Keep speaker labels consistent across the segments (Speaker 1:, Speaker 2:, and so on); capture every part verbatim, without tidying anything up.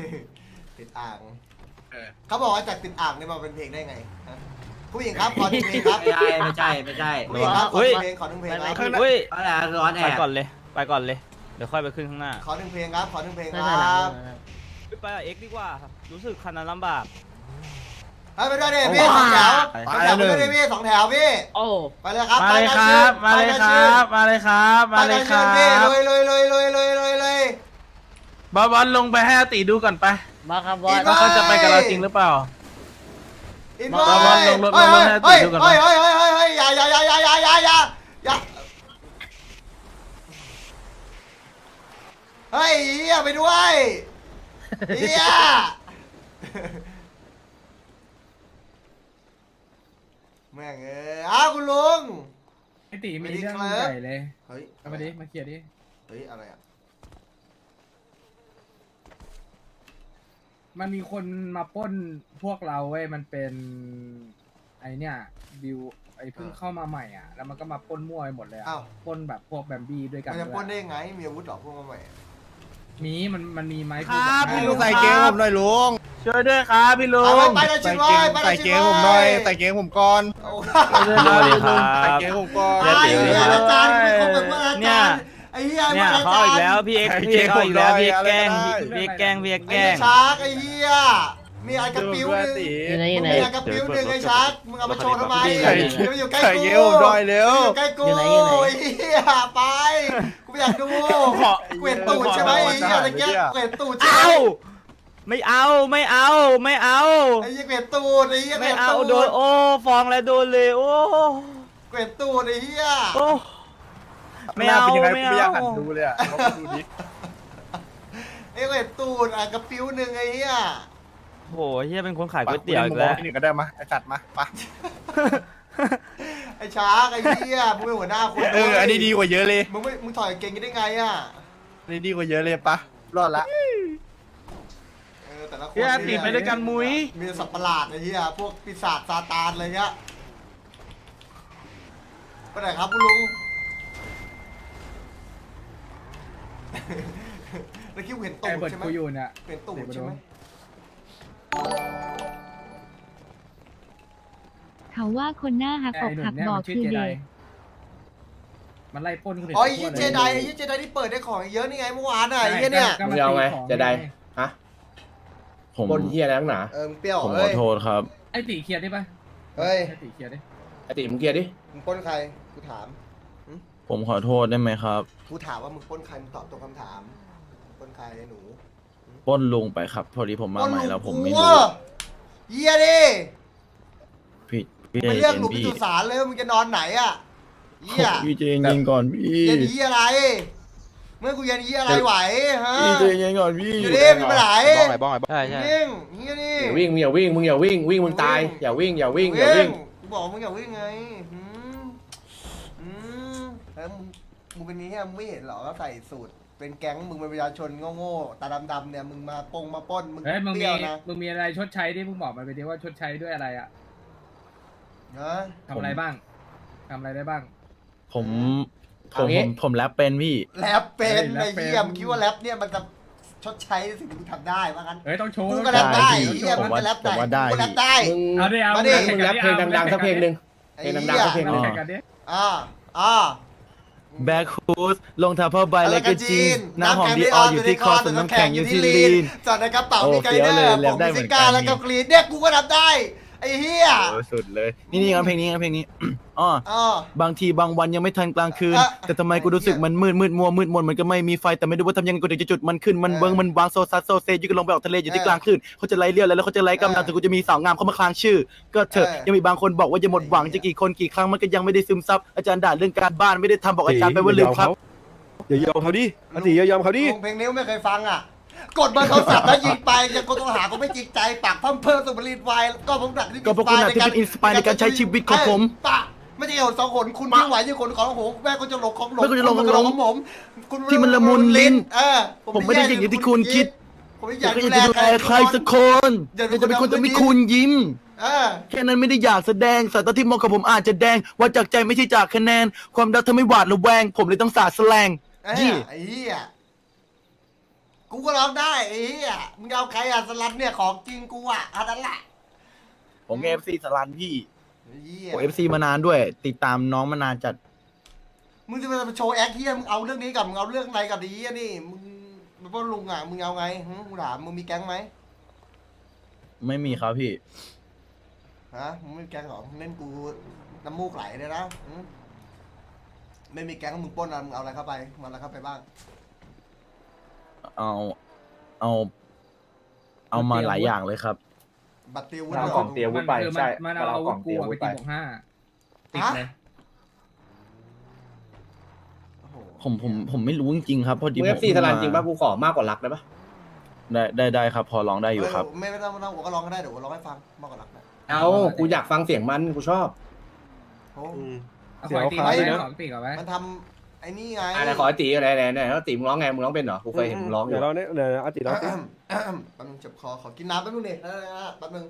Speaker 1: ติดอ่าง
Speaker 2: เออ
Speaker 1: เขาบอกว่าจากติดอ่างนี่มาเป็นเพลงได้ไงฮะผู้หญิงครับขอหนึ่งเพลงครับ
Speaker 3: ไม่ใช่ไม่ใช่ไม่ใช่
Speaker 1: ผู้หญิงครับขอหนึ่งเพลงขอหนึ่งเพลงครับ
Speaker 4: เฮ้ย
Speaker 3: อะไรร้อนแอ
Speaker 4: ไป
Speaker 3: บ
Speaker 4: ก่อนเลย ไปก่อนเลย เดี๋ยวค่อยไปขึ้นข้างหน้า
Speaker 1: ขอหนึ่งเพลงครับขอหนึ่งเพลงค
Speaker 5: ไม่
Speaker 1: รั
Speaker 5: ใช่หลัง
Speaker 1: บ
Speaker 4: ไปกับเอ็กซ์ดีกว่า รู้สึกคันนั้นลำบาก
Speaker 1: เฮ้ยไปด้วยดิพี่สองแถวสองแถวไปด้วยดิพี่สองแถวพี่
Speaker 5: โอ้
Speaker 1: ไปเลยครับ
Speaker 6: มาเลยครับ มาเลยครับ มาเลยครับ มาเลยครับ
Speaker 1: พี่เลยเลยเลยเลยเลยเลยเลย
Speaker 6: บอสบอสลงไปให้อาติดูก่อนไป
Speaker 5: มาครับบอส
Speaker 6: ว่าเขาจะไปกับเราจริงหรือเปล่า
Speaker 1: อิน
Speaker 6: บอสบอสลงรถลงรถให้
Speaker 1: เฮ้ย
Speaker 6: ติดดูก่อน
Speaker 1: เฮ้ยเฮ้ยเฮ้ยเฮ้ยเฮ้ยอย่าอย่าอย่าอย่าอย่าอย่าอย่าอย่าเฮ้ยเฮียไปด้วยเฮียแม่งเอ้ยอ้าวคุณลุง
Speaker 7: ไอตีมีเรื่อง
Speaker 1: ไม่ได้ครับ
Speaker 7: ใหญ่เลย
Speaker 1: เฮ้ย
Speaker 7: เอามาดิ มาเคลียร์ดิ
Speaker 1: เฮ้ยอะไรอ่ะ
Speaker 7: มันมีคนมาปล้นพวกเราเว้ย มันเป็น ไอเนี่ยบิวไอเพิ่งเข้ามาใหม่อ่ะ แล้วมันก็มาปล้นมั่วไปหมดเลยอ่ะ
Speaker 1: อ้าว
Speaker 7: ปล้นแบบพวกแบมบี้ด้วยกัน
Speaker 1: มันจะ
Speaker 7: ด้วย
Speaker 1: ปล้นได้ยังไงมีอาวุธเหรอพวกมาใหม่
Speaker 7: มี มัน มันมีไม้
Speaker 6: ครับ
Speaker 7: พูด
Speaker 6: พี่
Speaker 7: กั
Speaker 6: ลุ
Speaker 7: บ
Speaker 6: งใส่เกงผมหน่อยลุง ช่วยด้วยครับพี่ลุ
Speaker 1: ไป
Speaker 6: ง
Speaker 1: ไปไปเลยชิดไว้ไปเลย
Speaker 6: ใส่
Speaker 1: ชิด
Speaker 6: เก
Speaker 1: ไว้
Speaker 6: งผมหน่อย ใส่เกงผมก่อน
Speaker 1: โอ้
Speaker 6: ช่วยด้วยครับ
Speaker 4: สวัสดี
Speaker 6: พี่
Speaker 4: ครั
Speaker 6: ลุ
Speaker 4: บ
Speaker 6: งใส่เกงผมก่อน
Speaker 1: ไอ้เหี้ยอาจารย์ไม่คบกับอา
Speaker 4: เนี่
Speaker 1: จาย รย์ไอ้เหี้ย
Speaker 4: เนี่ย
Speaker 1: อา
Speaker 4: เขา
Speaker 1: จาร
Speaker 4: อีก
Speaker 1: ย์
Speaker 4: แล้วพี่เอ็กซ์พี่เอ็กซ์เขาอีกแล้วพี่เอ็กซ์แกล้งพี่เอ็กซ์แกล้งพี่เอ็กซ์
Speaker 1: ไอ้
Speaker 4: แกล้ง
Speaker 1: ชาร์กไอ้เหี้ยมีไอ้กระปิ้วหนึ่ง
Speaker 5: อยู่ไหนอยู่ไหน
Speaker 1: มีไอ้กระปิ้วหนึ่งไอ้ชาร์กมึงเอามาโชว์ทำไม
Speaker 6: ใส่
Speaker 1: เดี๋ยวมันอยู่ใกล้
Speaker 6: ใส่
Speaker 1: กู
Speaker 6: เกงผมหน่อยเร็ว
Speaker 1: อยู่ใกล้กู
Speaker 5: อยู่ไหนอยู่ไหน
Speaker 1: ไอ้เหี้ยไปกูไม่อยากดู
Speaker 6: ขอ
Speaker 1: เกวียนตูดใช่ไหมไอ้เหี้ยตะเกียบเกวียนตูดใช่ไหม
Speaker 4: เอ้าไม่เอาไม่เอาไม่เอา
Speaker 1: ไอ้เหี้ยเกวียนตูดไอ้เหี้ยเก
Speaker 4: ไม่
Speaker 1: วียน
Speaker 4: เอา
Speaker 1: ตูด
Speaker 4: โดนโอ้ฟองแล้วโดนเลยโอ้
Speaker 1: เกวียนตูดไอ้เหี้ย
Speaker 4: โอ้ไม่เอา
Speaker 6: เป็นยังไง
Speaker 4: ไม่
Speaker 6: กูไม่อยากหัน
Speaker 4: เอา
Speaker 6: ดูเลยอ่ะลองดูดิ
Speaker 1: ไอ้เกวียนตูดอ่ะกระปิ้วหนึ่งไอ้เหี้ย
Speaker 4: โหเฮียเป็นคนขายก๋วยเตี๋ยวอีกแล้ว
Speaker 6: พี่หนึ่งก็ได้มาไอสัตว์มาปะ
Speaker 1: ไอ้ช้างไอ้เหี้ยมึงเป็นหัวหน้าคน
Speaker 6: เอออันนี้ดีกว่าเยอะเลย
Speaker 1: มึงไม่มึงถอยเก่งกันได้ไงอ่ะ
Speaker 6: อันนี้ดีกว่าเยอะเลยปะรอดละ
Speaker 1: เออแต่ละคน
Speaker 6: พี่อาติไปด้วยกันมุ้ย
Speaker 1: มีสัตว์ประหลาดไอ้เหี้ยพวกปีศาจซาตานอะไรเงี้ยไปไหนครับคุณลุง แล้วคิดว่าเห็นตู
Speaker 7: ไอ
Speaker 1: ด
Speaker 7: เบิร์ด
Speaker 1: ใช่ไหม
Speaker 7: กูอยู่เนี่ย
Speaker 1: เห็นตูดใช่ไหม
Speaker 8: เขาว่าคนหน้าหัก
Speaker 7: ไอ
Speaker 8: อก
Speaker 7: หนุ่
Speaker 8: หั
Speaker 7: ม
Speaker 8: ก
Speaker 7: เนี่ย
Speaker 8: บอ
Speaker 7: มั
Speaker 8: ก
Speaker 7: นชื่อ
Speaker 8: คือ
Speaker 7: เจได
Speaker 8: เด็ก
Speaker 7: มันไล่ปล้นคนอื่น
Speaker 1: อ๋อไอ้
Speaker 7: ทั่
Speaker 1: ยี่
Speaker 7: ว
Speaker 1: เจ
Speaker 7: ล
Speaker 1: ไดไอ้ยี่เจไดที่เปิดได้ของเยอะนี่ไงเมื่อวานอ่ะไอ้เหี้ยเนี่ย
Speaker 7: ก็
Speaker 3: มึ
Speaker 7: มาง
Speaker 3: เอาไง
Speaker 7: ตีของ
Speaker 3: จะได้
Speaker 7: ง
Speaker 3: ฮะ
Speaker 9: ผม
Speaker 3: บนเฮียแล้วหนา
Speaker 1: เออมึงเปรี้ยว
Speaker 9: ผมข
Speaker 1: เอ้
Speaker 9: อย โทษครับ
Speaker 7: ไอตีเคลียร์ได้ปะ
Speaker 1: เฮ้ย
Speaker 7: ไอตีเคลียร์ได้
Speaker 3: ไอติมึงเกียร์ดิ
Speaker 1: มึงปล้นใครกูถาม
Speaker 9: ผมขอโทษได้ไหมครับ
Speaker 1: กูถามว่ามึงปล้นใครมึงตอบตรงคำถามปล้นใครไอ้หนู
Speaker 9: ปล้นลุงไปครับ พอดีผมมาใหม่แล้วผมไม่
Speaker 1: ปล้น
Speaker 9: รู้
Speaker 1: ลุงกูเหี้ยดิ
Speaker 9: พี่พี่ใจ
Speaker 1: มันเรียก
Speaker 9: เย็
Speaker 1: หลุ
Speaker 9: น
Speaker 1: มพิ
Speaker 9: พี่
Speaker 1: จุสารเลยมึงจะนอนไหนอ่ะเหี้ย
Speaker 9: พี่ใจเย็นก่อนพี่
Speaker 1: เย็นเหี้ยอะไร เมื่อกูเย็นเหี้ยอะไรไหวฮะ
Speaker 9: พี่ใจเย็นก่อนพี่
Speaker 1: อยู่ดิมึงไปไหน
Speaker 4: บ้องไงบ้องไงใช่ใช่
Speaker 1: วิ่งเหี้ยนี่
Speaker 3: อย่าวิ่งมึงอย่าวิ่งมึงอย่าวิ่งวิ่งมึงตายอย่าวิ่งอย่าวิ่งอย่าวิ่ง
Speaker 1: กูบอกมึงอย่าวิ่งไงหืมหืมแล้วมึงมึงเป็นนี้เหี้ยมึงไม่เห็นเหรอก็ใส่สูตรเป็นแก๊งมึงเป็นประชาชนโง่ๆตาดำๆเนี่ยมึงมาปงมาปล้นมึง
Speaker 7: เฮ้ยมึง
Speaker 1: เป
Speaker 7: มี
Speaker 1: รี้ยวนะ
Speaker 7: มึงมีอะไรชดใช้ดิมึงบอกมาไปดิว่าชดใช้ด้วยอะไรอ่ะ
Speaker 1: นะ
Speaker 7: ทำอะไรบ้างทำอะไรได้บ้าง
Speaker 9: ผมผมผมผมแรปเป็นพี่
Speaker 1: แรปเป็น
Speaker 7: เฮ้
Speaker 1: ไอ้
Speaker 7: ยแรปเป็น
Speaker 1: เหี้ยมึงคิดว่าแรปเนี่ยมันจะชดใช้สิ่งที่มึงทำได้ว่างั้น
Speaker 7: เฮ้ยต้องโชว์
Speaker 1: กูก็แรปได้
Speaker 9: ได้
Speaker 1: ไอ้
Speaker 9: พี่
Speaker 1: เหี้ย
Speaker 9: ผ
Speaker 1: มึ
Speaker 9: ม
Speaker 1: ง
Speaker 9: ว่า
Speaker 1: ก็แรปได้
Speaker 9: ผมว่าได้
Speaker 1: กูก็แรปได้
Speaker 3: มึง
Speaker 7: เอาดิเอา
Speaker 1: มาดิ
Speaker 3: มึงแรปเพลงดังๆสักเพลงหนึ่ง
Speaker 1: ไอ้
Speaker 3: เพลง
Speaker 1: เหี้
Speaker 3: ดัง
Speaker 1: ย
Speaker 3: ๆสักเพลงหนึ่ง
Speaker 7: แข่งกันดิ
Speaker 1: อ่าอ่า
Speaker 9: แบ็คฮูดลงเท้าผ้าใบ
Speaker 1: อะไร
Speaker 9: แล้ว
Speaker 1: กั
Speaker 9: ก็
Speaker 1: น
Speaker 9: จี
Speaker 1: จี
Speaker 9: น
Speaker 1: น
Speaker 9: น้ำหอมดีอออยู่ที่คอส่วนน้ำแข็งอยู่ที่ลีน
Speaker 1: จอดในกระเป๋า
Speaker 9: โอ้
Speaker 1: มีไก
Speaker 9: เฟี้ยว
Speaker 1: เดอ
Speaker 9: เลย
Speaker 1: ร์
Speaker 9: แร
Speaker 1: ผ
Speaker 9: ป
Speaker 1: ม
Speaker 9: ได้
Speaker 1: มิ
Speaker 9: เหมื
Speaker 1: ซิ
Speaker 9: อน
Speaker 1: ก้า
Speaker 9: กัน
Speaker 1: แล้วก็กรีดเนี่ยกูก็รับได้ไอ้เหี้ย
Speaker 9: โอ้สุดเลย นี่นี่งั้นเพลงนี้งั้นเพลงนี้อ๋อ
Speaker 1: อ๋อบ
Speaker 9: างทีบางวันยังไม่ทันกลางคืน
Speaker 1: อ่ะ
Speaker 9: แต่ทำไมกูรู้สึกมันมืดมืดมัวมืดมนมันก็ไม่มีไฟแต่ไม่รู้ว่าทำยังไงกูถึงจะจุดมันขึ้นมัน
Speaker 1: เออ
Speaker 9: เบิ้งมันวางโซซัสโซเซยึกลงไปออกทะเลอยู่ที่
Speaker 1: เออก
Speaker 9: ลางคลื่นเขาจะไล่เลี้ยวแล้วเขาจะไล่กำลัง
Speaker 1: เออ
Speaker 9: แต่กูจะมีสาวงามเข้ามาคลางชื่อ ก็เถอะ
Speaker 1: เออ
Speaker 9: ยังมีบางคนบอกว่าจะหมดหวังจะกี่คนกี่ครั้งมันก็ยังไม่ได้ซึมซับอาจารย์ด่าเรื่องการบ้านไม่ได้ทำบอกอาจารย์ไปว่าลืมครับ
Speaker 2: อย่ายอมเขาดิอติอย่ายอมเขาดิ
Speaker 1: ลุงเพลงนี้ไม่เคยฟังอ่ะ กดเบอร์โทรศัพท์แล้วยิงไปยังคนต้องหาก็ไม่จริงใจปากพัมเพิ่มสุบรีดไวก็ผมดักที่
Speaker 9: ก็พวกคุณน่ะที่เป็นอินสปายในการใช้ชีวิตของผม
Speaker 1: ปะไม่ใช่เหตุสองคนคุณที่ไหวที่คนของโหแม่ก็จะหลงของหลง
Speaker 9: แม่ก็จะหลงของหลง
Speaker 1: ของผมคุณ
Speaker 9: ที่มันละมุนลิ้น
Speaker 1: เออ
Speaker 9: ผมไม่ได้อย่างที่คุณคิด
Speaker 1: ผมไม่อ
Speaker 9: อยาย
Speaker 1: าก ก
Speaker 9: จะ
Speaker 1: ดู
Speaker 9: ดู
Speaker 1: แล
Speaker 9: แลใครสักคนอยากจะเป็นคนจะมีคุณยิ้ม
Speaker 1: เออ
Speaker 9: แค่นั้นไม่ได้อยากแสดงสายตาที่มองกับผมอาจจะแดงว่าจากใจไม่ใช่จากคะแนน ความรักเธอไม่หวาดระแวง ผมเลยต้องสาดแสลง
Speaker 1: ไอ้
Speaker 9: ยี่
Speaker 1: ไอ้เหี้ยกกูก็ร้องได้ไอ้เหี้ยมึงเอาใครอ่ะสลัดเนี่ยของจริงกูอ่ะอันนั้นแหละ
Speaker 9: ผมเอฟซีสลันพี่
Speaker 1: เหี้ย
Speaker 9: ผมเอฟซีมานานด้วย ติดตามน้องมานานจัด
Speaker 1: มึงจะมาโชว์แอคเหี้ยมึงเอาเรื่องนี้กับมึงเอาเรื่องอะไรกับดีอ่ะนี่มึงเป็นพ่อลุงอ่ะมึงเอาไงหึกูถามมึงมีแก๊งไหม
Speaker 9: ไม่มีครับพี่
Speaker 1: ฮะมึงไม่มีแก๊งหรอมึงเล่นกูน้ำมูกไหลเลยนะหึไม่มีแก๊งมึงปล้นอะไรมึงเอาอะไรเข้าไปมันอะไรเข้าไปบ้าง
Speaker 9: เอา เอา เอามาหลายอย่างเลยครับ
Speaker 1: บัตรติว
Speaker 3: เอากล่องเตรียม วุธไป
Speaker 7: คือ
Speaker 3: ใช่
Speaker 7: มันเอาอาวุธกูอะไปตี
Speaker 3: เราเอากล่องเตรียมวุธไป
Speaker 7: บวกห้าติดเลย
Speaker 1: โอ้โห
Speaker 9: ผมผมผมไม่รู้จริงๆครับพอดี
Speaker 3: มึง
Speaker 9: ผ
Speaker 3: เอ
Speaker 9: ม
Speaker 3: ฟซีสลันจริงป่ะกูขอมากกว่ารักได้ป่ะ
Speaker 9: ได้ได้ได้ครับ พอร้องได้อยู่ครับ
Speaker 1: เไม่ไม่ต้องไม่ต้องผมก็ร้องก็ได้เดี๋ยวผมร้องให้ฟังมากกว่ารักนะ
Speaker 3: เอากูอยากฟังเสียงมันกูชอบ
Speaker 1: โอ้
Speaker 7: เอา
Speaker 2: เสี
Speaker 7: ข
Speaker 2: ย
Speaker 7: อ
Speaker 2: ว
Speaker 7: ตี
Speaker 2: ขา
Speaker 7: ไว้
Speaker 2: วนะ
Speaker 7: ของตีก่อนไว้
Speaker 1: มันทำไอ้นี่ไง
Speaker 3: อะไรขอไอ้ตีอะไรไหนไหนแล้วตีมึงร้องไงมึงร้องเป็นเหรอกูเคยเห็นมึงร้องอ
Speaker 2: เดี๋ย
Speaker 3: ยู่
Speaker 2: วเราเนี่ยเดี๋ยวอาติเราสิ
Speaker 1: แป๊บนึงเจ็บคอขอกินน้ำแป๊บนึงดิเออแป๊บนึง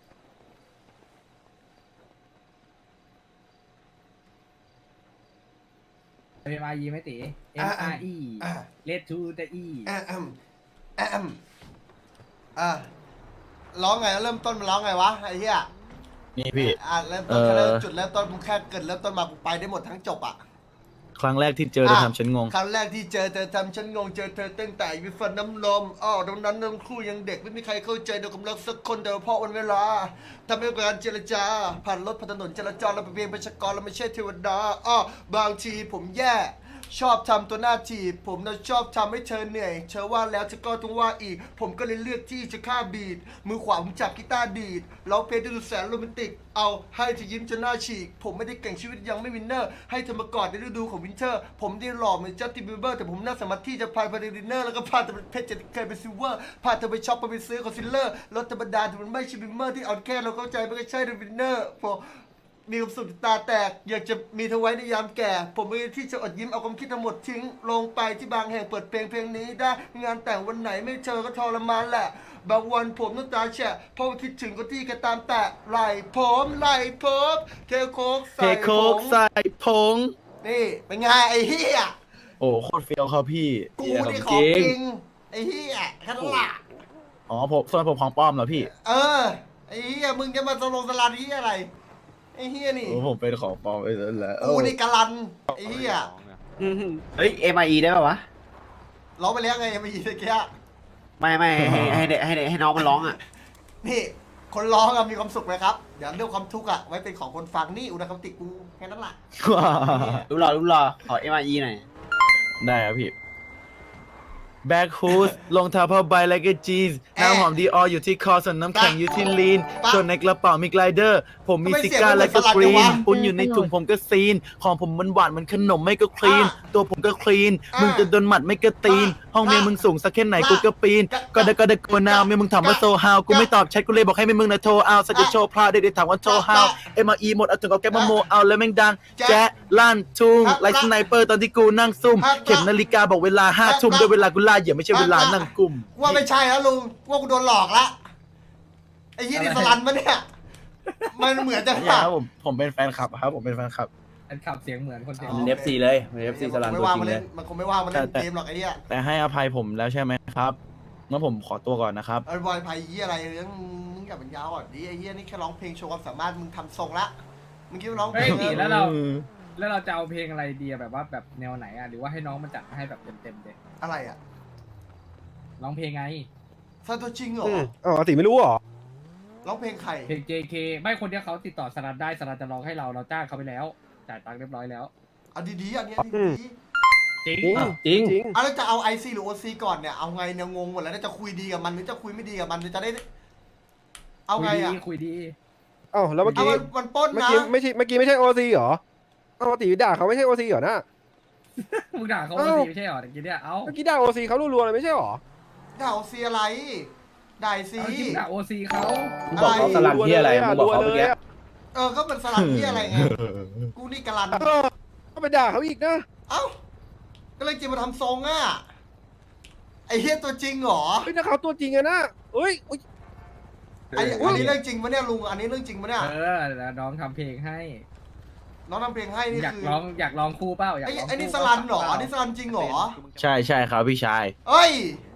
Speaker 7: เอ็มอาร์อีไม่ตี M R E Let to the E
Speaker 1: แอมแอมอ่ะร้องไงเริ่มต้นมันร้องไงวะไอ้เหี้ย
Speaker 9: นี่พี่
Speaker 1: อ่ะเริ่มต้น
Speaker 9: เอ่อ
Speaker 1: แค่เริ่มจุดเริ่มต้นมึงแค่เกิดเริ่มต้นมากูไปได้หมดทั้งจบอ่ะ
Speaker 9: ครั้งแรกที่เจอเธอทำฉันงง
Speaker 1: ครั้งแรกที่เจอเธอทำฉันงงเจอเธอตั้งแต่วิฟันน้ำลมอ้อตรงนั้นทั้งคู่ยังเด็กไม่มีใครเข้าใจเดี๋ยวกำลังสักคนแต่เพราะวันเวลาทำให้การเจรจาผ่านรถผ่านถนนจราจรเราเป็นเพียงประชากรเราไม่ใช่เทวดาอ้อบางทีผมแย่ชอบทำตัวหน้าทีบผมน่ะชอบทำให้เธอเหนื่อยเธอว่าแล้วเธอก็ต้องว่าอีก ผมก็เลยเลือกที่จะฆ่าบีดมือขวาผมจับกีตาร์ดีดร้องเพลงดูแสนโรแมนติกเอาให้เธอยิ้มจนหน้าฉีกผมไม่ได้เก่งชีวิตยังไม่วินเนอร์ให้เธอมากอดในฤดูของวินเทอร์ผมได้หล่อเหมือนจัสตินบีเบอร์แต่ผมน่าสามารถที่จะพายไปในดินเนอร์แล้วก็พาเธอไปเพชรจะเคยเป็นซิลเวอร์พาเธอไปช็อปไปซื้อคอนซีลเลอร์รถธรรมดาแต่มันไม่ใช่บิมเมอร์ที่อ่อนแค่เราเข้าใจไม่ใช่ในวินเนอร์พอมีความสุขตาแตกอยากจะมีเธอไว้ในยามแก่ ผมไม่ที่จะอดยิ้มเอาความคิดทั้งหมดทิ้งลงไปที่บางแห่งเปิดเพลงเพลงนี้ได้งานแต่งวันไหนไม่เจอก็ทรมานแหละบางวันผมน้ำตาแฉะเพราะว่าคิดถึงก็ที่แกตามแต่ไหลผมไหลผมเทโคก
Speaker 9: เท
Speaker 1: ใส่
Speaker 9: โค
Speaker 1: ผ
Speaker 9: ก
Speaker 1: ง
Speaker 9: ใส่ผง
Speaker 1: นี่เป็นไงไอ้เหี้ย
Speaker 9: โอ้โคตรเฟี้ยวครับพี่
Speaker 1: กูนี่ของจริงไอ้เหี้ยแค่นั้นละ
Speaker 9: อ๋อผมส่วนผมของป้อมเหรอพี่
Speaker 1: เออไอ้เหี้ยมึงจะมาสโลงสลัดเหี้ยอะไรไอ้เหี้ยนี่
Speaker 9: โอ้ผมเป็นของป้อมไปแล้วแหละ
Speaker 1: กูนี่กะลันไอ้เหี้ย
Speaker 5: เฮ้ย เอ็ม ไอ อี ได้ป่าวะ
Speaker 1: ร้องไปแล้วไงยังไม่ยินตะเกีย
Speaker 5: ไม่ไม่ให้ให้ให้ให้ให้น้องมันร้องอ่ะ
Speaker 1: นี่คนร้องอะมีความสุขไหมครับเดี๋ยวเรื่องความทุกข์อะไว้เป็นของคนฟังนี่อุณหภูมิติกูแค่นั้นแหละ
Speaker 5: รู้รอรู้รอขอ เอ็ม ไอ อี หน่อย
Speaker 9: ได้ครับพี่ แบ็คฮูสรองเท้าผ้าใบและก็จีนน้ำหอมดีอออยู่ที่คอส่วนน้ำแข็งอยู่ที่ลีนส่วนในกระเป๋ามีไกลเดอร์ ผมมีซิก้าและก็กรีนปุ้นอยู่ในถุงผมก็ซีน ของผมมันหวานมันขนมไม่ก็คลีน ตัวผมก็คลีน มึงจะโดนหมัดไม่ก็ตีน ห้องเมียมึงสูงสักแค่ไหนกูก็ปีน ก็ได้ก็ได้กูนาวเมียมึงถามว่าโซฮาวกูไม่ตอบแชทกูเลยบอกให้เมียมึงนะโทรเอาสักจะโชว์พลาดเด็กๆถามว่าโทรฮาวเอ็มอีหมดเอาถึงเอาแก้มมาโมเอาแล้วแม่งดังแจ๊ะลั่นทุ่งไลท์สไนเปอร์ตอนที่กูนั่งซุ่มเข็มนาฬิกาบอกเวลาห้าทุ่มด้วยเวลากูล่าเหยื่อไม่ใช่เวลานั่งกุม
Speaker 1: ว่าไม่ใช่แล้วลุงว่ากูโดนหลอกละไอ้ยี่นี่สลันมาเนี่ยมันเหมือนจะ
Speaker 9: ไม่ใช่ครับผมผมเป็นแฟนคลับครับผมเป็นแฟนคลับ
Speaker 7: อันขับเสียงเหมือนคนเสียง
Speaker 3: มันเอฟซีเลยมันเอฟซีสลัน
Speaker 1: ไม่
Speaker 3: ตัว
Speaker 1: ว่าง
Speaker 3: จริ
Speaker 1: มาง
Speaker 3: เล
Speaker 1: เล่
Speaker 3: ย
Speaker 1: นมันคงไม่ว่างมาเล่นเกมหรอกไอ้เนี่ย
Speaker 9: แต่ให้อภัยผมแล้วใช่ไหมครับงั้นผมขอตัวก่อนนะครับ
Speaker 1: ไอ้บอยไพ่ยี่อะไรเรื่องมึงอย่าเป็นยาวอ่ะดิไอ้ยี่นี่แค่ร้องเพลงโชว์ความสามารถมึงทำทรงละมึงคิดว่าร้องเพ
Speaker 7: เฮ้
Speaker 1: ล
Speaker 7: ย
Speaker 1: ง
Speaker 7: ตีแล้วเรา แล้วเราจะเอาเพลงอะไรดีอะแบบว่าแบบแนวไหนอะหรือว่าให้น้องมันจัดมาให้แบบเต็มๆเลย
Speaker 1: อะไรอ่ะ
Speaker 7: ร้องเพลงไง
Speaker 1: ซาโตจริงเหรอ
Speaker 2: อืมอ๋ออาติไม่รู้เหรอ
Speaker 1: ร้องเพลงใคร
Speaker 7: เพลง เจ เค ไม่คนที่เขาติดต่อสลัดได้สลัดจะร้องให้เราเราจ้างเขาไปแล้วจ่ายตังค์เรียบร้อยแล้ว
Speaker 1: เอาดีๆอันเนี้ย
Speaker 2: อืม
Speaker 1: ดี
Speaker 7: จริง
Speaker 2: จริง
Speaker 3: จริง
Speaker 2: จริง
Speaker 1: ๆเอาแล้วจะเอาไอซีหรือโอซีก่อนเนี่ยเอาไงเนี่ยงงหมดแล้วเนี่ยจะคุยดีกับมันหรือจะคุยไม่ดีกับมันหรือจะได้ เอา
Speaker 7: คุย
Speaker 1: ไง
Speaker 7: ดี
Speaker 1: อ่ะ
Speaker 7: คุยดี
Speaker 2: เอ้าแล้วเมื่อ
Speaker 1: เอา
Speaker 2: กี้
Speaker 1: มันมันปล้น
Speaker 2: เมื่อ
Speaker 1: นะ
Speaker 2: กี้ไม่ใช่เมื่อกี้ไม่ใช่โอซีเหรอเอ้าอาติด่าเขาไม่ใช่โอซีเหรอนะ
Speaker 7: มึงด่าเขา
Speaker 2: เอ้า
Speaker 7: ว่าดีไม่ใช่หรอตะกี้เนี่ยเอ้า
Speaker 2: เมื่อกี้ด่าโอซีเขารัวๆเลยไม่ใช่เหรอ
Speaker 1: ด่าโอซีอะไรด่าไอซี
Speaker 7: เอาที่มึงด่าโอซีเขา
Speaker 3: มึงบอกเขาสลันที่อะไรมึงบอกเขาเมื่อกี้
Speaker 1: เออก็เป็นสลับที่อะไรไงกูนี่กะลัน
Speaker 2: เออก็ไปด่าเขาอีกนะ
Speaker 1: เอ้าก็เลยจะมาทำทรงอ่ะไอเฮียตัวจริงเหรอ
Speaker 2: เฮ้ยนักข่าวตัวจริงอะนะเอ้ยอุ๊ย
Speaker 1: ไออันนี้เรื่องจริงปะเนี่ยลุงอันนี้เรื่องจริงปะเนี่ย
Speaker 7: เออแล้วน้องทำเพลงให้
Speaker 1: น้องทำเพลงให้นี่
Speaker 7: อยาก
Speaker 1: คือ
Speaker 7: ร้องอยากร้องคู่เปล่าอยาก
Speaker 1: ไอ้
Speaker 7: ร้อง
Speaker 1: ไอ้นี่
Speaker 7: คู่
Speaker 1: สลันเหรออันนี้สลันจริงเหรอ
Speaker 9: ใช่ใช่ครับพี่ชาย
Speaker 1: เอ้ย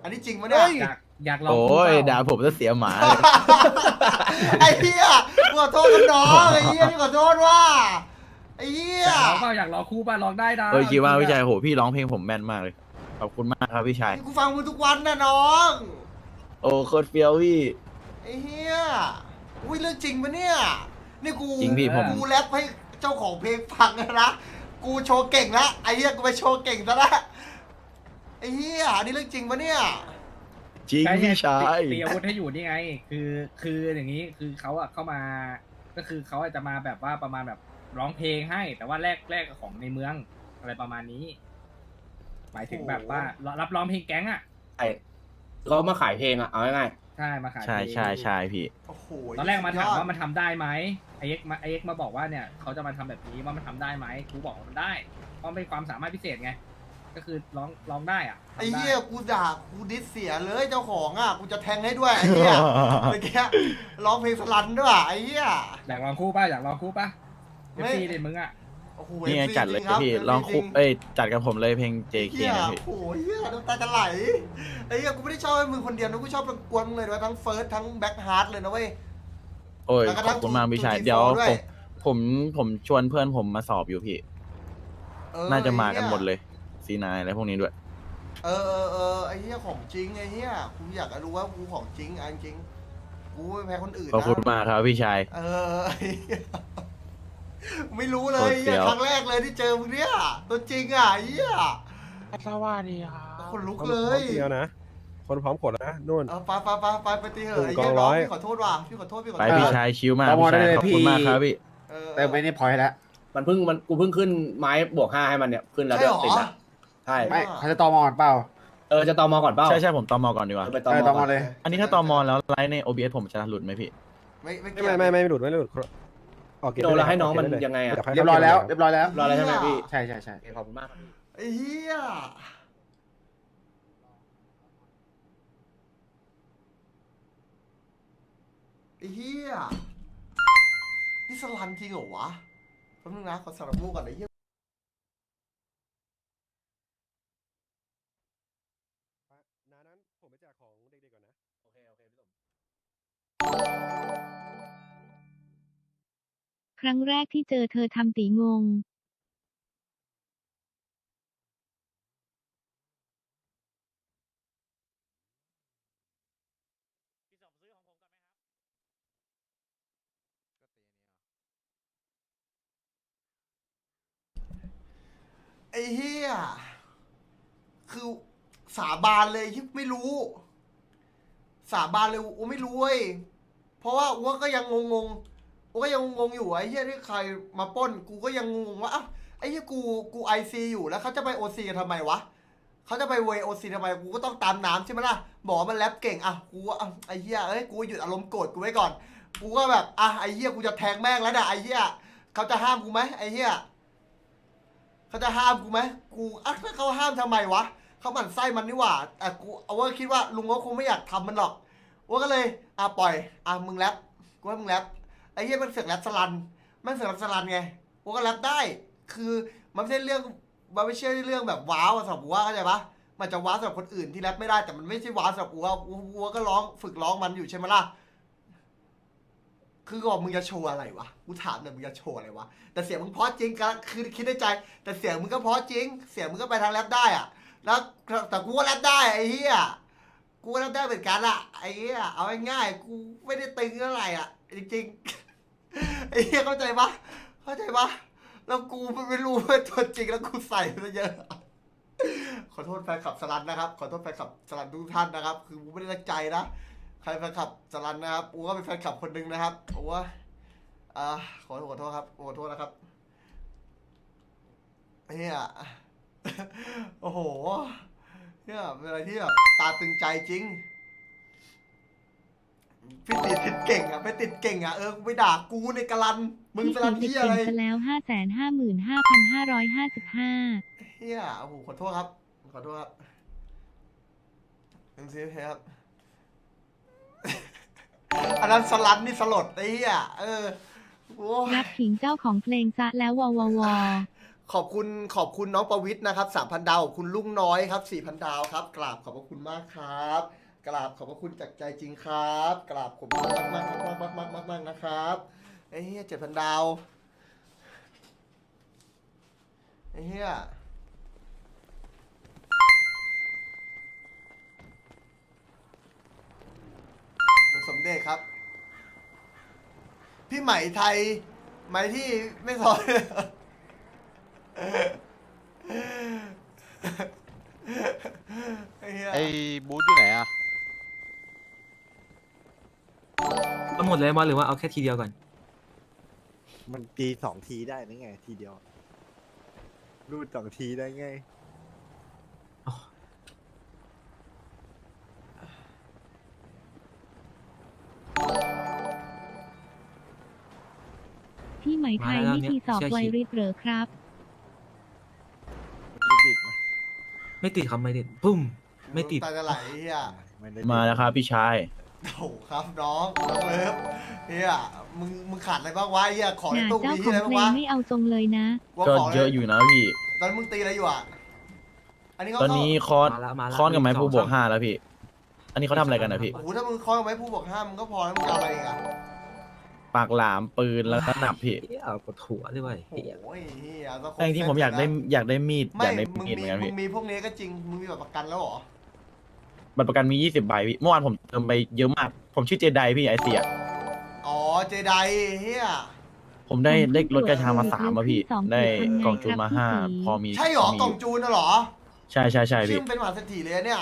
Speaker 1: อันนี้จริงปะเนี่ย
Speaker 7: อยากอยากลอง
Speaker 9: โอ้
Speaker 7: คู่เป
Speaker 9: ย
Speaker 7: ล่า
Speaker 9: ด่าผมจะเสียหมาเลย
Speaker 1: ไอ้เหี้ยกูขอโทษกันน้องไอ้เหี้ยนี่ขอโทษว่าไอ้เหี้ย
Speaker 7: อยากลองเปล่าอยากลองคู่เปล่าลองได้นะ
Speaker 9: เออคิดว่าพี่ชายโหพี่ร้องเพลงผมแม่นมากเลยขอบคุณมากครับพี่ชาย
Speaker 1: กูฟังมึงทุกวันนะน้อง
Speaker 9: โอ้โคตรเฟี้ยวพี่
Speaker 1: ไอ้เหี้ยอุ้ยเรื่องจริงปะเนี่ยนี่กู
Speaker 9: จริงพี่ผม
Speaker 1: กูแรปให้เจ้าของเพลงฟังนะกูโชว์เก่งละไอ้เหี้ยกูไปโชว์เก่งซะละไอ้เหี้ยนี่เรื่องจริงปะเนี่ย
Speaker 9: จริง
Speaker 7: ใช่
Speaker 9: พี่ชาย
Speaker 7: ตีอาวุธให้อยู่นี่ไง คือคืออย่างนี้คือเขาอะเข้ามา ก็คือเขาอาจจะมาแบบว่าประมาณแบบร้องเพลงให้ แต่ว่าแลกแลกกับของในเมืองอะไรประมาณนี้ หมายถึงแบบว่ารับร้องเพลงแก๊งอะ
Speaker 3: ไอ้เขามาขายเพลงอะเอาง่าย
Speaker 7: ใช่มาขาย
Speaker 9: ใช่
Speaker 7: เพลง
Speaker 9: ใช่ใช่พี่
Speaker 1: โอ้โห
Speaker 7: ตอนแรกมาถาม
Speaker 1: สุดยอด
Speaker 7: ว่ามันทำได้ไหมไอเอ็กมาไอเอ็กมาบอกว่าเนี่ยเขาจะมาทำแบบนี้ว่ามันทำได้ไหมกูบอกว่ามันได้เพราะมันเป็นความสามารถพิเศษไง ก็คือร้องร้องได้อะทำด้
Speaker 1: ไอ้เหี้ยกูด่ากูดิสเสียเลยเจ้าของอ่ะกูจะแทงให้ด้วยไอ้เหี้ยเมื่อกี้ร้องเพลงสลันด้วยว่ะไอ้เหี้ย
Speaker 7: อยากลองคู่ป่ะอยากลองคู่ป่ะเอ
Speaker 1: ไม่
Speaker 7: ฟซีเด็ดมึงอะ
Speaker 1: โอ้โห
Speaker 9: นี่ไง
Speaker 1: เอฟซี
Speaker 9: จัดเลย
Speaker 1: จริครับ
Speaker 9: พี่
Speaker 1: เอฟซี
Speaker 9: ลองคุบ
Speaker 1: จริ
Speaker 9: เอ้ยจัดกับผมเลยเพลง เจ เค
Speaker 1: เหี้ย
Speaker 9: นะพี่
Speaker 1: โอ้โหเหี้ยน้ำตาจะไหลไอ้เหี้ยกูไม่ได้ชอบให้มึงคนเดียวนะกูชอบกวนมึงเลยนะทั้งเฟิร์สทั้งแบ็คฮาร์ดเลยนะเว้ย
Speaker 9: โอ้ย
Speaker 1: แล้วก็
Speaker 9: ข
Speaker 1: ทั้
Speaker 9: อบ
Speaker 1: ง
Speaker 9: คุณมากพี่ชาย
Speaker 1: ทูที
Speaker 9: เดี๋ยว
Speaker 1: โฟร์ด้
Speaker 9: ผ
Speaker 1: วย
Speaker 9: มผมผมชวนเพื่อนผมมาสอบอยู่พี่
Speaker 1: เออ
Speaker 9: น่าจะมากัน
Speaker 1: ไอ้
Speaker 9: หมด
Speaker 1: เหี้ย
Speaker 9: เลยซีนายอะไรพวกนี้ด้วย
Speaker 1: เออเออเออไอ้เหี้ยของจริงไอ้เหี้ยกูอยากจะรู้ว่ากูของจริงอันจริงกูไม่แพ้คนอื่น
Speaker 9: ขอบ
Speaker 1: นะ
Speaker 9: คุณมากครับพี่ชาย
Speaker 1: เออไอ้เหี้ยไม่รู้เลย
Speaker 9: โคตรเฟี้
Speaker 1: เหี้ย
Speaker 9: ยว
Speaker 1: ครั้งแรกเลยที่เจอมึงเนี่ยตัวจริงอ่ะไอ้เหี้ย
Speaker 6: สวัสดีครับ
Speaker 1: คนลุก
Speaker 2: คน
Speaker 1: เล
Speaker 2: พร้อย มเดียวนะ คนพร้อมขนนะนู่น
Speaker 1: เออไปไปไปไปไปตีเหอะไอ้
Speaker 2: กอ
Speaker 1: เหี้ย
Speaker 2: ง
Speaker 1: น้
Speaker 2: ร้
Speaker 1: อง
Speaker 2: อย
Speaker 1: พี่ขอโทษว่ะพี่ขอโทษพี่ขอ
Speaker 9: ไป
Speaker 1: โทษ
Speaker 9: พี่ชายชิวมาก
Speaker 5: ตาม
Speaker 9: พี่
Speaker 5: มาได้
Speaker 9: ชาย
Speaker 5: เลย
Speaker 9: ขอบ
Speaker 5: พี่
Speaker 9: คุณมากครับพี่
Speaker 1: เออ
Speaker 5: เติมไปในพอยต์แล้ว
Speaker 3: ๆ มันเพิ่งมันกูเพิ่งขึ้นไม้บวกห้าให้มันเนี่ยขึ้นแล้ว
Speaker 1: ใช่
Speaker 3: เดี๋ย
Speaker 1: เหรอ
Speaker 3: วติดละใช่
Speaker 5: ไม่เขาจะตอมอก่อนเปล่า
Speaker 3: เออจะตอมอก่อนเปล่า
Speaker 9: ใช่ใช่ผมตอมอก่อนดีกว่า
Speaker 3: เออไปตอ
Speaker 5: เออ
Speaker 3: ม
Speaker 5: ต
Speaker 3: อ
Speaker 5: อม
Speaker 3: ก่
Speaker 5: อ
Speaker 3: อน
Speaker 5: เลย
Speaker 9: อันนี้ถ้าตอมอแล้วไลฟ์ใน โอ บี เอส ผมจะหลุดไหมพี่
Speaker 1: ไม่ไม่
Speaker 2: ไม่ไม่ไม่ไม่หลุดไม่หลุดออกเกม
Speaker 3: โดนแล้วให้น้องมัน
Speaker 2: ได้เล
Speaker 3: ยังไงอะ
Speaker 2: ดี๋วค่
Speaker 5: เรียบร้อยแล้วเรียบร้อยแล้ว
Speaker 3: รออะไรใช่ไหมพี่
Speaker 5: ใช่ใช่ใช่
Speaker 3: โอเคขอบคุณมากครับพี่
Speaker 1: ไอ้เหี้ยไอ้เหี้ยนี่สลันจริงเหรอวะแป๊บนึงนะขอสารมูก่อนไอ้เหี้ย
Speaker 2: น้านั้นผมไปแจกของเด็กๆก่อนนะ
Speaker 3: โอเคโอเคพี่สม
Speaker 8: ครั้งแรกที่เจอเธอทำตีงง
Speaker 1: ไอ้เหี้ยคือสาบานเลยที่ไม่รู้ สาบานเลยอูไม่รู้เว้ยเพราะว่าอูก็ยังงงๆอูก็ยังงงๆอยู่ไอ้เหี้ยที่ใครมาปล้นกูก็ยังงงว่าอ้าวไอ้เหี้ยกูกูไอซีอยู่แล้วเขาจะไปโอซีกันทำไมวะเขาจะไปเวโอซีทำไมกูก็ต้องตามน้ำใช่ไหมล่ะบอกว่ามันแรปเก่งอ่ะกูก็อ่ะไอ้เหี้ยเอ้ยกูหยุดอารมณ์โกรธกูไว้ก่อนกูก็แบบอ่ะไอ้เหี้ยกูจะแทงแม่งแล้วนะไอ้เหี้ยเขาจะห้ามกูไหมไอ้เหี้ยเขาจะห้ามกูไหมกูอ่ะถ้าเขาห้ามทำไมวะเขาหมั่นไส้มันนี่หว่าแต่กูเอาว่าคิดว่าลุงก็คงไม่อยากทำมันหรอกว่าก็เลยอ่ะปล่อยอ่ะมึงแรปกูให้มึงแรปไอ้เหี้ยมันเสือกแรปสลันมันเสือกแรปสลันไงกูก็แรปได้ คือมันไม่ใช่เรื่องมันไม่ใช่เรื่องแบบว้าวสำหรับกูว่าเข้าใจปะมันจะว้าวสำหรับคนอื่นที่แรปไม่ได้แต่มันไม่ใช่ว้าวสำหรับกูว่ากูกูก็ร้องฝึกร้องมันอยู่ใช่ไหมล่ะคือบอกมึงจะโชว์อะไรวะกูถามหน่อยมึงจะโชว์อะไรวะแต่เสียงมึงเพราะจริงก็คือคิดในใจ แต่เสียงมึงก็เพราะจริง เสียงมึงก็ไปทางแรปได้อะแล้วแต่กูก็แรปได้ไอ้เหี้ยกูก็แรปได้เหมือนกันอะไอ้เหี้ยเอาง่ายๆกูไม่ได้ตึงเท่าไหร่อะจริงๆไอ้เหี้ยเข้าใจปะเข้าใจปะแล้วกูไม่รู้ว่าตัวจริงแล้วกูใส่ซะเยอะขอโทษแฟนคลับสลันนะครับขอโทษแฟนคลับสลันทุกท่านนะครับ คือกูไม่ได้ตั้งใจนะใครแฟนคลับสลันนะครับกูก็เป็นแฟนคลับคนหนึ่งนะครับโอ้ว่าอ่าขอขอโทษครับขอโทษนะครับเฮีย โอ้โหเนี่ยเป็นอะไรที่แบบตาตึงใจจริงพี่ติดติดเก่งอ่ะไปติดเก่งอ่ะเออกูไปด่ากูในกะลันมึง
Speaker 8: ที่
Speaker 1: สลั
Speaker 8: ถึ
Speaker 1: น
Speaker 8: งติด
Speaker 1: ที่
Speaker 8: เก่
Speaker 1: อะไร
Speaker 8: งซะแล้ว ห้าแสนห้าหมื่นห้าพันห้าร้อยห้าสิบห้า
Speaker 1: เฮียโอ้โหขอโทษครับขอโทษครับเอ็มซีครับ อันนั้นสลันนี่สลดไอ้เหี้ยเออโอ้ย
Speaker 8: รับขิงเจ้าของเพลงซะแล้ววอวอวอ
Speaker 1: ขอบคุณขอบคุณน้องประวิทย์นะครับสามพันดาวขอบคุณลุงน้อยครับสี่พันดาวครับกราบขอบพระคุณมากครับกราบขอบพระคุณจากใจจริงครับกราบขอบคุณมากมากมากมากมากมากนะครับไอ้เหี้ยเจ็ดพันดาวไอ้เหี้ยสมเด็จครับพี่ไหมไทยไหมที่ไม่ซอย ไอ้เหี้ย
Speaker 10: ไอ้บูธอยู่ไหนอ่ะ
Speaker 4: เอาหมดเลยบอลหรือว่าเอาแค่ทีเดียวก่อน
Speaker 10: มันตีสองทีได้นี่ไงทีเดียว รูดสองทีได้ไง
Speaker 8: พี่ไหมไทย
Speaker 4: มาแล้ว
Speaker 8: นี่
Speaker 4: เนี่ย
Speaker 8: ทีสอบ
Speaker 4: เชื่อ
Speaker 8: ไว
Speaker 4: คิด
Speaker 8: ริสเหรอครับ
Speaker 10: ติดไหม
Speaker 4: ไม่ติดครับไม่ติดปุ้มไม่ติด
Speaker 1: ตาจะไหลไอ้เฮีย
Speaker 10: ไม่ได้
Speaker 9: มาแล้วครับพี่ชาย
Speaker 1: โอ้ครับน้องน้องเลิฟเฮียมึงมึงขาดอะไรบ้างวะไอ้เฮียของ
Speaker 8: ห
Speaker 1: ใน
Speaker 8: นา
Speaker 1: ตู้
Speaker 8: เจ้า
Speaker 1: มี
Speaker 8: ข
Speaker 1: ที่
Speaker 8: อง
Speaker 1: อะไร
Speaker 8: เพ
Speaker 1: บ้าง
Speaker 8: ลง
Speaker 1: วะ
Speaker 8: ไม่เอาทรงเลยนะ
Speaker 1: ว่า
Speaker 9: ก็
Speaker 1: ของ
Speaker 9: เยอะอยู่นะพี่
Speaker 1: ตอนนนมึงตีอะไรอยู่อ่ะอันนี้เขา
Speaker 9: ตอนนี้คอน
Speaker 4: มาแล้วมาแล้ว
Speaker 9: คอนกับไม้
Speaker 4: หนึ่ง
Speaker 9: ผู้
Speaker 4: สอง
Speaker 9: บวก
Speaker 4: สาม
Speaker 9: ห้าแล้วพี่ อันนี้เขาทำอะไรกันนะพี่
Speaker 1: โอ้โหถ้ามึงคล้องไว้ผู้บอกห้ามมึงก็พอแล้วมึงจะเอาอะไรอีกอ่ะ
Speaker 9: ปากหลามปืนแล้วก็หนับพี่
Speaker 4: เหี้ยเอาปวดหัวด้วย
Speaker 1: โอ้ยเฮียต้องครบ
Speaker 9: แต่จริงๆผมอยากได้
Speaker 1: เซ็ต
Speaker 9: อยากได้มีด
Speaker 1: ไม่
Speaker 9: อยากได้
Speaker 1: มึง
Speaker 9: มีดเหมื
Speaker 1: มี
Speaker 9: อนกัน
Speaker 1: มึ
Speaker 9: พี่
Speaker 1: งมีพวกนี้ก็จริงมึงมีแบบประกันแล้วเหรอ
Speaker 9: บัตรประกันมียี่สิบใบพี่ เมื่อวานผมเติมไปเยอะมาก ผมชื่อเจไดพี่ไอเสีย
Speaker 1: อ๋อเจไดเฮีย
Speaker 9: ผมได้
Speaker 8: ผม
Speaker 9: ได้
Speaker 8: เพิ่ง
Speaker 9: รถกระชามา
Speaker 8: ตรวจ
Speaker 9: สามอะพี่
Speaker 8: สอง
Speaker 9: ได้
Speaker 8: จุดทำไง
Speaker 9: กล่องจูนมา
Speaker 8: ครับ
Speaker 9: ห้า
Speaker 8: พี่
Speaker 9: พอมี
Speaker 1: ใช่เหรอ
Speaker 9: มี
Speaker 1: กล่องจูนน่ะเหรอ
Speaker 9: ใช่ใช่ใช่
Speaker 1: ชื่
Speaker 9: พี่
Speaker 1: อมันเป็นมหาเศรษฐีเลยอะเนี่ย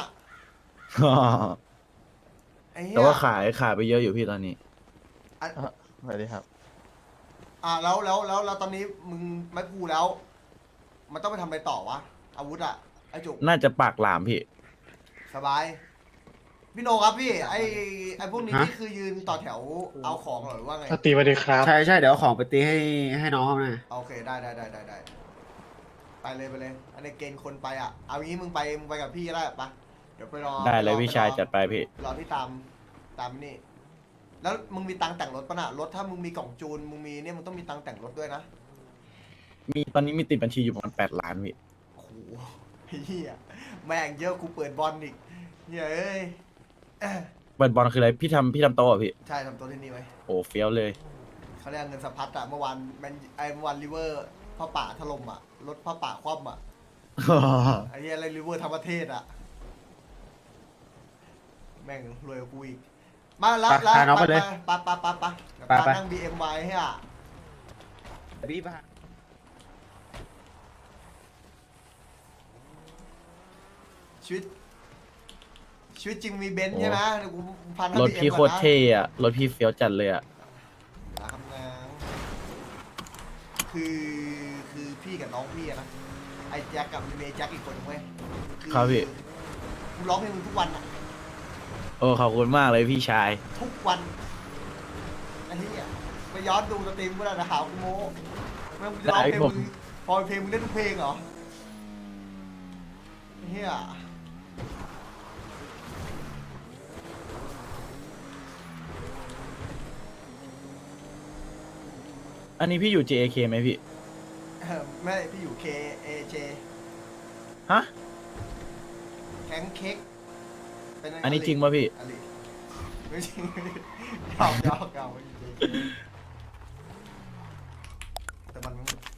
Speaker 1: ไอ้เหี้ย
Speaker 9: แต่ว่าขายขายไปเยอะอยู่พี่ตอนนี้
Speaker 1: อ่ะ
Speaker 10: สวัสดีครับ
Speaker 1: อ่ะแล้วแล้วแล้วแล้วตอนนี้มึงไม่พูแล้ว มันต้องไปทำอะไรต่อวะอาวุธอะไอ้จุก
Speaker 9: น่าจะปากหลามพี่
Speaker 1: สบายพี่โนครับพี่ไอ้ไอ้พวกนี้
Speaker 5: ฮะ
Speaker 1: นี่คือยืนต่อแถวเอาของเหรอหรือว่าไง
Speaker 6: ตีมาดีครับ
Speaker 5: ใช่ใช่เดี๋ยวเอาของไปตีให้ให้น้องเขานะ
Speaker 1: โอเคได้ได้ได้ได้ได้ไปเลยไปเลย อันนี้เกณฑ์คนไปอ่ะเอางี้มึงไปมึงไปกับพี่ก็ได้ปะเดี๋ยวไปรอ
Speaker 9: ได้เลย
Speaker 1: ปรอ
Speaker 9: พี่ชาย
Speaker 1: ไปรอ
Speaker 9: จัดไปพี่
Speaker 1: รอที่ตามตามนี่ แล้วมึงมีตังค์แต่งรถปะน่ะรถถ้ามึงมีกล่องจูนมึงมีเนี่ยมึงต้องมีตังค์แต่งรถด้วยนะ
Speaker 9: มีตอนนี้มีติดบัญชีอยู่ประมาณแปดล้านพี่
Speaker 1: โอ้โหเฮียแม่งเยอะกูเปิดบอลอีกเฮียเอ้ย เอ้ย
Speaker 9: เปิดบอลคืออะไรพี่ทำพี่ทำโต๊ะเหรอพี่
Speaker 1: ใช่ทำตัวที่นี่ไว้
Speaker 9: โอ้เฟี้ยวเลย
Speaker 1: เขาเรียกเงินสะพัดอะเมื่อวานแมนไอเมื่อวานริเวอร์พ่อป่าถล่มอะรถพ่อป่าคว่ำอะไอ้เหี้ยอะไรริเวอร์ทั้งประเทศอะแม่งรวยกว่ากูอีกมาแล้ว
Speaker 5: ไป
Speaker 1: แล้ว
Speaker 5: พาน้องไปเลย
Speaker 1: ไปไปไปไปเดี๋ยว
Speaker 5: ไป
Speaker 1: ปา
Speaker 5: ไป
Speaker 1: นั่ง บี เอ็ม ไว้ให้อะ
Speaker 5: พี่ป่ะ
Speaker 1: ชีวิตชีวิตจริงมีเบนซ์
Speaker 9: โอ้
Speaker 1: ใช่ไหมเดี๋ยวกูพันนั่ง
Speaker 9: รถ
Speaker 1: บี
Speaker 9: พี่
Speaker 1: เอ็ม
Speaker 9: โค
Speaker 1: ก่อน
Speaker 9: ตร
Speaker 1: นะ
Speaker 9: เท่อะรถพี่เฟี้ยวจัดเลยอะ
Speaker 1: นะครับนะคือคือพี่กับน้องพี่อะนะไอ้แจ็คกับเมย์แจ็คอีกคนนึงเว้ยอ
Speaker 9: ครับพี่
Speaker 1: กูร้องเพลงมึงทุกวันอะ
Speaker 9: โอ้ขอบคุณมากเลยพี่ชาย
Speaker 1: ทุกวันอันนี้อ่ะไปย้อนดูสตรีมกูได้นะหากูโม้แม่งจะร้องเพลง
Speaker 9: ได้ผม
Speaker 1: มึงพอเพลงมึงได้ทุกเพลงเหรอเฮีย
Speaker 9: อันนี้พี่อยู่ เจ เอ เค ไหมพี่
Speaker 1: เอ่อไม่พี่อยู่ K A J
Speaker 9: ฮะ
Speaker 1: แข็งเค้กเป็นไ
Speaker 9: อันนี้จริงป่ะพี่
Speaker 1: อลิไม่จริงยอกยอกยอกไม่จริงแต่มัน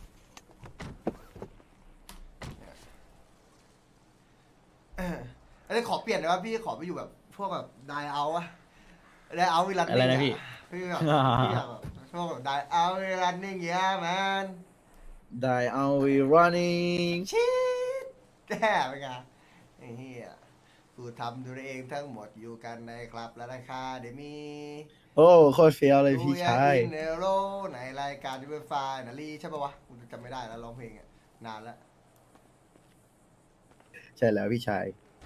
Speaker 1: เอออันนี้ขอเปลี่ยนเลยว่าพี่ขอไปอยู่แบบพวกแบบไดเอาอะไดเอาวิลัน
Speaker 9: อะไรนะพี่
Speaker 1: พี่แบบพี่อยากแบบพวกแบบไดเอาวิลันนิ่งเงี้ยแมน
Speaker 9: ได้เอา we running
Speaker 1: ชิดแย่ไปไงไอ้เหี้ยกูทำด้วยเองทั้งหมดอยู่กันในคลับและราคาเดมี
Speaker 9: โอ้โคตรเฟี้ยวเลยพี่ชาย
Speaker 1: เนโรในรายการที่เป็นไฟนาลีใช่ปะวะกูจำไม่ได้แล้วร้องเพลงอ่ะนานแล้ว
Speaker 9: ใช่แล้วพี่ชาย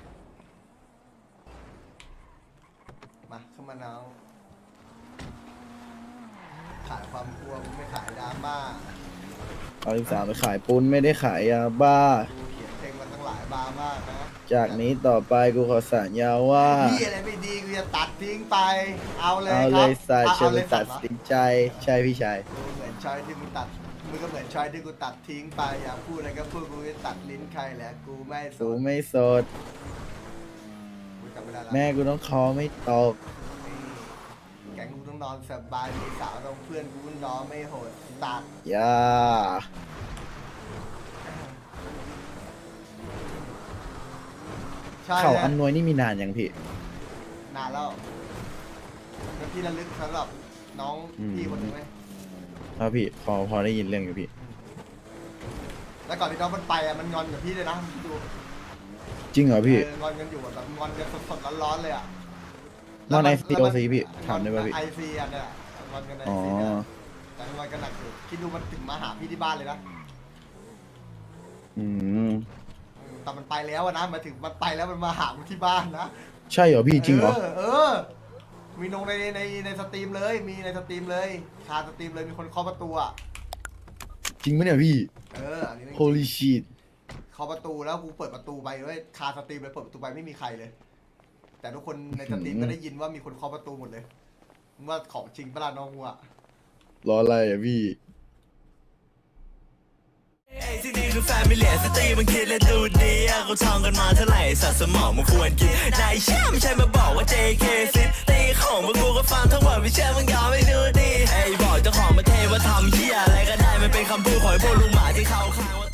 Speaker 1: มาเข้ามาน้องขายความกลัวกูไม่ขายดราม่า
Speaker 9: เอาอีกสามไปขายปุ้นไม่ได้ขายยาบ้า
Speaker 1: กูเขียนเพลงมาตั้งหลายบาร์มากนะ
Speaker 9: จากนี้ต่อไปกูขอสัญญาว่า
Speaker 1: พี่อะไรไม่ดีกูจะตัดทิ้งไป เอาเลย
Speaker 9: เอา
Speaker 1: ค
Speaker 9: เล
Speaker 1: รับ
Speaker 9: ยสัตว์
Speaker 1: เอา
Speaker 9: จะ
Speaker 1: เอา
Speaker 9: ไป
Speaker 1: เลย
Speaker 9: ตัด
Speaker 1: เหรอ
Speaker 9: สินใจใช่พี่ชาย
Speaker 1: ดูเหมือนชอยที่มึงตัดมึงก็เหมือนชอยที่กูตัดทิ้งไปอย่าพูดอะไรก็พูดกูจะตัดลิ้นใครแหละกูไม่ส
Speaker 9: กู
Speaker 1: น
Speaker 9: ไม่สด
Speaker 1: กูจำไม่ได้ละ
Speaker 9: แม่กูต้องคอไม่ตก
Speaker 1: แกงกูต้องนอนสบายมีสาวต้องเพื่อนกูนอนไม่โหดตัด
Speaker 9: อย่า
Speaker 1: ใช่
Speaker 9: เขา
Speaker 1: แหละ
Speaker 9: อันนวยนี่มีนานยังพี่
Speaker 1: นานแล้วเป็นที่ระลึกสำหรับน้อง
Speaker 9: อืม
Speaker 1: พี่คนหนึงไหม
Speaker 9: ครับพี่พอพอได้ยินเรื่องอยู่พี่
Speaker 1: แล้วก่อนที่น้องมันไปอ่ะมันงอนกับพี่เลยนะดู
Speaker 9: จริงเหรอพี่
Speaker 1: เอองอนกันอยู่อะแบบงอนกันสดๆร้อนๆเลยอ่ะ
Speaker 9: งอน
Speaker 1: แล้วมั
Speaker 9: ไอซีโอซีพี่ถามได้ป่ะพี่
Speaker 1: ไอซีอันเนี้ยงอนกันไอ
Speaker 9: อ๋อ
Speaker 1: ซีเนี่ยแต่งอนกันหนักอยู่คิดดูมันถึงมาหาพี่ที่บ้านเลยนะ
Speaker 9: อืม
Speaker 1: แต่มันไปแล้วอะนะหมายถึงมันไปแล้วมันมาหากูที่บ้านนะ
Speaker 9: ใช่เหรอพี่จริงเหรอ
Speaker 1: เออเออ มีลงในในในสตรีมเลย มีในสตรีมเลยคาสตรีมเลยมีคนเคาะประตูอ่ะ
Speaker 9: จริงไหมเนี่ยพี่
Speaker 1: เอออันนี้เรื่องจริง
Speaker 9: holy shit
Speaker 1: เคาะประตูแล้วกูเปิดประตูไปด้วยคาสตรีมเลยเปิดประตูไปไม่มีใครเลย แต่ทุกคนในสตรีม
Speaker 9: อืม
Speaker 1: ก็ได้ยินว่ามีคนเคาะประตูหมดเลยมึงว่าของจริงปะล่ะน้องกูอะ
Speaker 9: รออะไรอ่ะพี่
Speaker 4: ที่นี่คือแฟมิเลียสตรีมันคิดและดูดีอะกูท่องกันมาเท่าไหร่สัตว์สมองมันควรกินนายเชื่อไม่ใช่มาบอกว่า เจ เค ซิตีของพวกกูก็ฟังทั้งหมดไม่เชื่อมึงยอมไม่ดูดีไอ้บอกเจ้าของมาเทว่าทำเหี้ยอะไรก็ได้มันเป็นคำพูดของไอ้พวกลุงหมาที่เข้าข้างว่า